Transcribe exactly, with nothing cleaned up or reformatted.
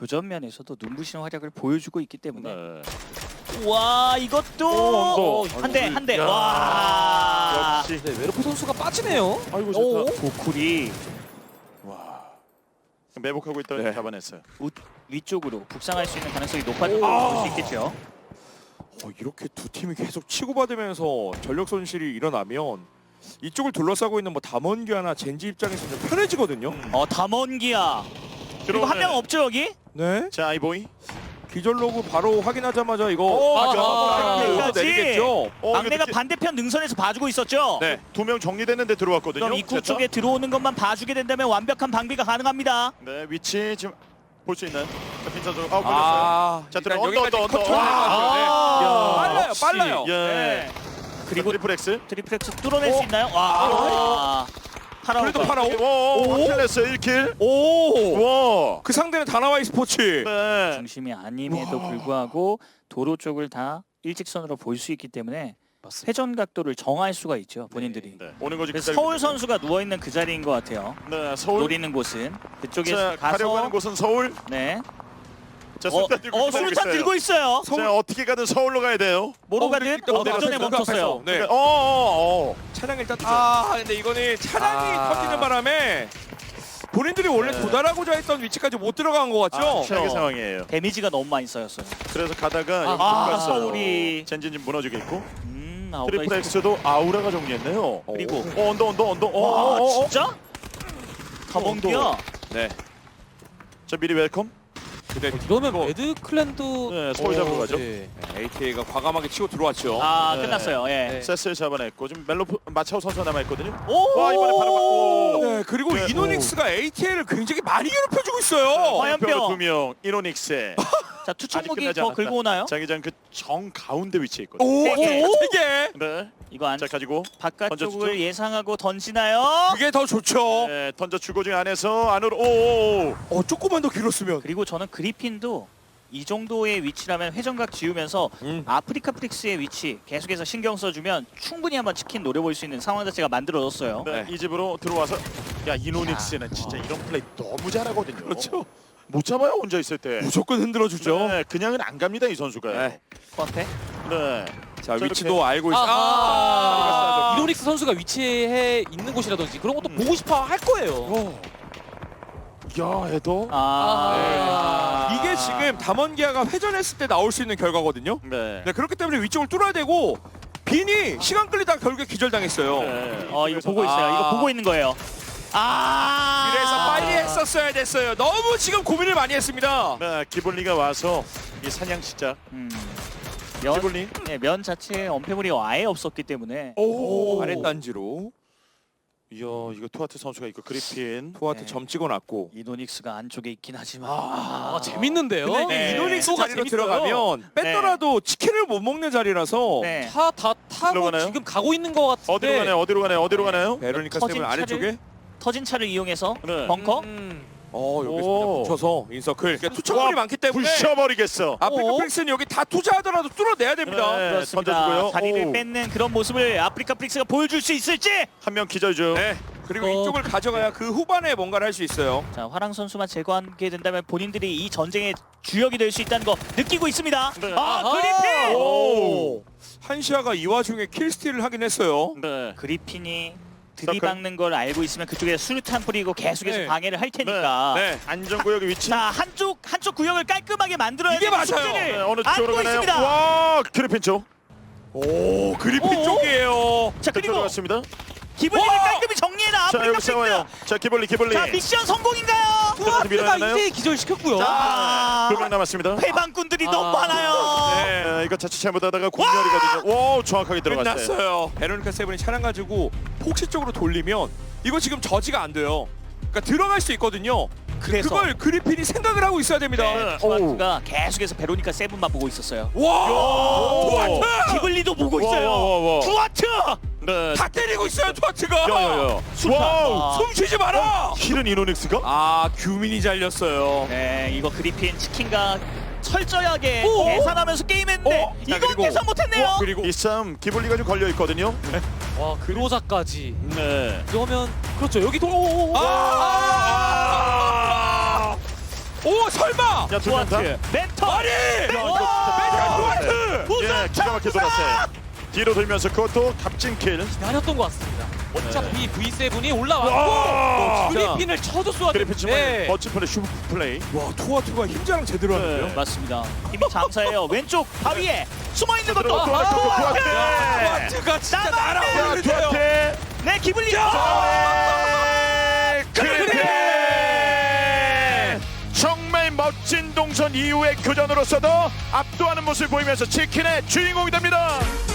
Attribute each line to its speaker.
Speaker 1: 교전 면에서도 눈부신 활약을 보여주고 있기 때문에
Speaker 2: 네.
Speaker 1: 와 이것도
Speaker 2: 오,
Speaker 1: 한 대 한 대
Speaker 2: 야.
Speaker 1: 와
Speaker 2: 역시.
Speaker 3: 네, 웨르포 선수가 빠지네요.
Speaker 2: 아이고
Speaker 3: 오.
Speaker 2: 좋다.
Speaker 1: 고쿨이
Speaker 2: 와. 매복하고 있더니
Speaker 3: 네.
Speaker 2: 잡아냈어요.
Speaker 1: 우, 위쪽으로 북상할 수 있는 가능성이 높아졌다고
Speaker 3: 오.
Speaker 1: 볼 수 있겠죠.
Speaker 4: 어, 이렇게 두 팀이 계속 치고받으면서 전력 손실이 일어나면 이쪽을 둘러싸고 있는 뭐 담원기아나 젠지 입장에서는 편해지거든요.
Speaker 1: 어 담원기아 그리고 한 명 없죠 여기?
Speaker 4: 네.
Speaker 2: 자 아이보이.
Speaker 4: 기절 로그 바로 확인하자마자 이거
Speaker 2: 오,
Speaker 4: 아,
Speaker 3: 아,
Speaker 4: 이거
Speaker 1: 여기까지.
Speaker 4: 내리겠죠.
Speaker 2: 어,
Speaker 1: 막내가
Speaker 2: 이거
Speaker 1: 반대편 능선에서 봐주고 있었죠.
Speaker 4: 네.
Speaker 2: 두 명 정리됐는데 들어왔거든요.
Speaker 1: 그럼 입구
Speaker 2: 됐다?
Speaker 1: 쪽에 들어오는 것만 봐주게 된다면 완벽한 방비가 가능합니다.
Speaker 2: 네 위치 지금 볼 수 있는 빈 선수. 아 걸렸어요.
Speaker 4: 아,
Speaker 2: 자,
Speaker 4: 일단
Speaker 2: 들어, 언더,
Speaker 4: 여기까지
Speaker 2: 언더, 언더.
Speaker 4: 컨트롤 해가지고, 네.
Speaker 1: 아.
Speaker 4: 빨라요,
Speaker 2: 역시.
Speaker 4: 빨라요.
Speaker 2: 예.
Speaker 1: 네. 그리고
Speaker 2: 트리플 X.
Speaker 1: 트리플렉스 뚫어낼
Speaker 4: 어?
Speaker 1: 수 있나요? 와. 파라오.
Speaker 4: 그래도 파라오.
Speaker 2: 오, 확실했어 일 킬.
Speaker 4: 오,
Speaker 2: 와.
Speaker 4: 그 상대는 다나와이 스포츠.
Speaker 2: 네.
Speaker 1: 중심이 아님에도
Speaker 4: 와.
Speaker 1: 불구하고 도로 쪽을 다 일직선으로 볼 수 있기 때문에
Speaker 3: 맞습니다.
Speaker 1: 회전 각도를 정할 수가 있죠 본인들이.
Speaker 2: 네. 오는 거지.
Speaker 1: 그래서
Speaker 2: 기다리고
Speaker 1: 서울
Speaker 2: 있는
Speaker 1: 선수가 누워 있는 그 자리인 것 같아요.
Speaker 2: 거예요. 네, 서울.
Speaker 1: 노리는 곳은 그쪽에
Speaker 2: 자, 가려고 하는
Speaker 1: 가서
Speaker 2: 곳은 서울.
Speaker 1: 네.
Speaker 2: 자,
Speaker 1: 어,
Speaker 2: 술탄 들고
Speaker 1: 어
Speaker 2: 기다리고
Speaker 1: 수류탄
Speaker 2: 있어요.
Speaker 1: 들고 있어요.
Speaker 2: 자, 어떻게 가든 서울로 가야 돼요.
Speaker 1: 모로가든
Speaker 4: 일단
Speaker 1: 어, 전에
Speaker 4: 내렸어요.
Speaker 1: 멈췄어요.
Speaker 4: 네.
Speaker 2: 어, 어, 어.
Speaker 4: 차량 일단 아, 근데 이거는 차량이
Speaker 3: 아.
Speaker 4: 터지는 바람에 본인들이 원래
Speaker 2: 네.
Speaker 4: 도달하고자 했던 위치까지 못 들어간 것 같죠?
Speaker 2: 아, 최악의
Speaker 1: 어.
Speaker 2: 상황이에요.
Speaker 1: 데미지가 너무 많이 쌓였어요.
Speaker 2: 그래서 가다가 여기
Speaker 1: 아,
Speaker 2: 갔어요.
Speaker 1: 서울이
Speaker 2: 젠진 좀 무너지겠고.
Speaker 1: 음, 아웃라이트.
Speaker 2: 트리플 X도 아우라가 정리했네요.
Speaker 1: 그리고
Speaker 2: 어, 언더 언더 언더. 어,
Speaker 1: 와
Speaker 2: 어, 어, 어.
Speaker 1: 진짜? 가본기야.
Speaker 4: 네.
Speaker 2: 자, 미리 웰컴.
Speaker 4: 근데
Speaker 3: 이러면 레드 클랜도
Speaker 2: 네, 서울 잡으러 가죠.
Speaker 3: 네.
Speaker 4: 에이티에이가 과감하게 치고 들어왔죠.
Speaker 1: 아
Speaker 2: 네.
Speaker 1: 끝났어요. 예.
Speaker 3: 네.
Speaker 2: 세스를 잡아냈고 지금 멜로 마차오 선수가 남아 있거든요.
Speaker 1: 오.
Speaker 2: 와, 이번에 바로 맞고.
Speaker 4: 네, 그리고
Speaker 2: 네.
Speaker 4: 이노닉스가 에이티에이를 굉장히 많이 괴롭혀주고 있어요.
Speaker 1: 화염병.
Speaker 2: 두 명. 이노닉스.
Speaker 1: 자
Speaker 2: 아직
Speaker 1: 투척목이
Speaker 2: 끝나지
Speaker 1: 더
Speaker 2: 않았다.
Speaker 1: 긁고 오나요?
Speaker 2: 자기장 그 정 가운데 위치에 있거든요.
Speaker 4: 오,
Speaker 1: 세 개.
Speaker 4: 세 개.
Speaker 2: 네.
Speaker 1: 이거 안
Speaker 2: 자, 가지고 던져주죠.
Speaker 1: 바깥쪽을 예상하고 던지나요?
Speaker 4: 그게 더 좋죠.
Speaker 2: 네, 던져 주고 중 안에서 안으로. 오.
Speaker 4: 어, 조금만 더 길었으면.
Speaker 1: 그리고 저는 그리핀도 이 정도의 위치라면 회전각 지우면서
Speaker 4: 음.
Speaker 1: 아프리카 프릭스의 위치 계속해서 신경 써주면 충분히 한번 치킨 노려볼 수 있는 상황 자체가 만들어졌어요.
Speaker 2: 네, 이 집으로 들어와서 야, 이노닉스는 진짜 이런 플레이 너무 잘하거든요.
Speaker 4: 그렇죠.
Speaker 2: 못 잡아요, 혼자 있을 때.
Speaker 4: 무조건 흔들어주죠.
Speaker 2: 네, 그냥은 안 갑니다, 이 선수가.
Speaker 4: 네.
Speaker 2: 네.
Speaker 1: 코앞에
Speaker 4: 자,
Speaker 2: 자,
Speaker 4: 위치도
Speaker 2: 이렇게.
Speaker 4: 알고 있어.
Speaker 3: 아,
Speaker 4: 아,
Speaker 3: 아, 이노닉스 선수가 위치해 있는 곳이라든지 그런 것도
Speaker 2: 음.
Speaker 3: 보고 싶어 할 거예요.
Speaker 4: 어.
Speaker 2: 야, 에도.
Speaker 1: 아,
Speaker 3: 아.
Speaker 4: 이게 지금 담원기아가 회전했을 때 나올 수 있는 결과거든요.
Speaker 2: 네.
Speaker 4: 네, 그렇기 때문에 위쪽을 뚫어야 되고 빈이 시간 끌리다가 결국에 기절당했어요.
Speaker 2: 네.
Speaker 1: 어 이거
Speaker 2: 그래서-
Speaker 1: 보고 있어요. 이거
Speaker 4: 아.
Speaker 1: 보고 있는 거예요. 아
Speaker 4: 그래서 빨리 했었어야 됐어요. 너무 지금 고민을 많이 했습니다.
Speaker 2: 네, 기블리가 와서 이 사냥 시작.
Speaker 1: 음. 면,
Speaker 2: 기블리.
Speaker 1: 네, 면 자체에 엄폐물이 아예 없었기 때문에
Speaker 4: 오,
Speaker 1: 오.
Speaker 4: 아랫단지로
Speaker 2: 이야, 이거 투아트 선수가 있고 그리핀.
Speaker 4: 투아트
Speaker 1: 네.
Speaker 4: 점 찍어놨고.
Speaker 1: 이노닉스가 안쪽에 있긴 하지만
Speaker 3: 아, 재밌는데요.
Speaker 4: 근데
Speaker 1: 네.
Speaker 4: 이게 이노닉스
Speaker 3: 소가
Speaker 4: 자리로
Speaker 3: 재밌어요.
Speaker 4: 들어가면 뺐더라도 치킨을 못 먹는 자리라서
Speaker 1: 네.
Speaker 3: 차 다 타고
Speaker 2: 들어가나요?
Speaker 3: 지금 가고 있는 것 같은데.
Speaker 2: 어디로 가나요? 어디로 가나요? 어디로 가나요?
Speaker 4: 베로니카
Speaker 1: 터진
Speaker 4: 세븐 아래쪽에
Speaker 1: 터진 차를 이용해서
Speaker 2: 네.
Speaker 1: 벙커
Speaker 3: 음.
Speaker 4: 어 여기서
Speaker 2: 오.
Speaker 4: 그냥 붙여서 인서클. 그러니까 투척물이
Speaker 2: 와,
Speaker 4: 많기 때문에
Speaker 2: 부셔버리겠어.
Speaker 4: 아프리카
Speaker 3: 어?
Speaker 4: 프릭스는 여기 다 투자하더라도 뚫어내야 됩니다.
Speaker 2: 네.
Speaker 1: 그렇습니다.
Speaker 2: 던져주고요.
Speaker 1: 자리를
Speaker 2: 오.
Speaker 1: 뺏는 그런 모습을 아프리카 프릭스가 보여줄 수 있을지.
Speaker 2: 한 명 기절 중.
Speaker 4: 네. 그리고
Speaker 3: 어.
Speaker 4: 이쪽을 가져가야 그 후반에 뭔가를 할 수 있어요.
Speaker 1: 자 화랑 선수만 제거하게 된다면 본인들이 이 전쟁의 주역이 될 수 있다는 거 느끼고 있습니다.
Speaker 2: 네.
Speaker 1: 아
Speaker 3: 아하.
Speaker 1: 그리핀.
Speaker 2: 오.
Speaker 4: 한시아가 이 와중에 킬스틸을 하긴 했어요.
Speaker 2: 네.
Speaker 1: 그리핀이 들이박는 걸 알고 있으면 그쪽에 수류탄 뿌리고 계속해서
Speaker 3: 네.
Speaker 1: 방해를 할 테니까.
Speaker 4: 네.
Speaker 2: 안전구역의 위치.
Speaker 1: 자 한쪽 한쪽 구역을 깔끔하게 만들어야
Speaker 4: 이게
Speaker 1: 되는
Speaker 4: 맞아요.
Speaker 1: 숙제를
Speaker 2: 네, 어느
Speaker 1: 안고
Speaker 2: 쪽으로 가나요?
Speaker 1: 있습니다.
Speaker 2: 와, 그리핀 쪽.
Speaker 4: 오 그리핀
Speaker 1: 오.
Speaker 4: 쪽이에요.
Speaker 1: 자 그리고
Speaker 2: 들어갔습니다.
Speaker 1: 기블리를
Speaker 4: 와!
Speaker 1: 깔끔히 정리해라
Speaker 2: 자,
Speaker 1: 아프리카
Speaker 2: 여기
Speaker 1: 프릭스.
Speaker 2: 싸워요. 자, 기블리, 기블리.
Speaker 1: 자 미션 성공인가요?
Speaker 2: 들어가서 밀어야
Speaker 3: 투아트가
Speaker 2: 되나요?
Speaker 3: 이제 기절시켰고요.
Speaker 1: 자
Speaker 2: 두 명 남았습니다.
Speaker 1: 회방꾼들이
Speaker 3: 아.
Speaker 1: 너무 많아요.
Speaker 4: 네.
Speaker 2: 네, 이거 자칫 잘못하다가 공멸이거든요. 와, 정확하게 들어갔어요.
Speaker 4: 끝났어요. 베로니카 세븐이 차량 가지고 폭시 쪽으로 돌리면 이거 지금 저지가 안 돼요. 그러니까 들어갈 수 있거든요.
Speaker 1: 그래서
Speaker 4: 그걸 그리핀이 생각을 하고 있어야 됩니다.
Speaker 1: 네, 투아트가 계속해서 베로니카 세븐만 보고 있었어요.
Speaker 4: 와! 투아트!
Speaker 1: 기블리도 보고
Speaker 2: 와,
Speaker 1: 있어요.
Speaker 2: 와, 와, 와.
Speaker 1: 투아트!
Speaker 2: 네.
Speaker 4: 다 때리고 있어요, 투아트가.
Speaker 2: 야야야. 와우.
Speaker 4: 숨 쉬지 마라.
Speaker 2: 킬은 이노닉스가?
Speaker 4: 아, 규민이 잘렸어요.
Speaker 1: 네, 이거 그리핀 치킨과 철저하게
Speaker 3: 오!
Speaker 1: 계산하면서 게임했는데
Speaker 4: 어? 자,
Speaker 1: 이건
Speaker 4: 그리고-
Speaker 1: 계산 못했네요.
Speaker 4: 어, 그리고
Speaker 2: 이 싸움 기블리가 좀 걸려 있거든요.
Speaker 3: 와 그로자까지.
Speaker 2: 네.
Speaker 3: 그러면 그렇죠. 여기 돌아. 오, 오, 오.
Speaker 4: 아! 오 설마.
Speaker 2: 야, 두명 다.
Speaker 1: 투아트 멘터
Speaker 4: 아니.
Speaker 2: 야, 이거
Speaker 1: 오!
Speaker 2: 진짜
Speaker 1: 우승
Speaker 2: 예, 기가 막히게 돌았어요. 뒤로 돌면서 그것도 값진 킬.
Speaker 3: 기다렸던 것 같습니다. 어차피 브이 세븐이
Speaker 2: 와,
Speaker 3: 올라왔고
Speaker 4: 진짜.
Speaker 3: 그리핀을 쳐줬어야
Speaker 2: 그래피치만
Speaker 3: 되는데
Speaker 2: 멋진 플레이, 슈퍼 플레이.
Speaker 4: 와 투아투가 힘자랑 제대로 하는데요.
Speaker 1: 네, 맞습니다. 힘이 장사예요. 왼쪽 바위에 숨어 있는 것도
Speaker 2: 들어가, 들어가, 들어가,
Speaker 1: 투아트!
Speaker 2: 투아트!
Speaker 4: 투아투가 진짜
Speaker 1: 나만
Speaker 2: 야,
Speaker 4: 날아오르세요.
Speaker 2: 두한테
Speaker 1: 내 기분이
Speaker 2: 그래피! 정말 멋진 동선 이후의 교전으로서도 압도하는 모습을 보이면서 치킨의 주인공이 됩니다.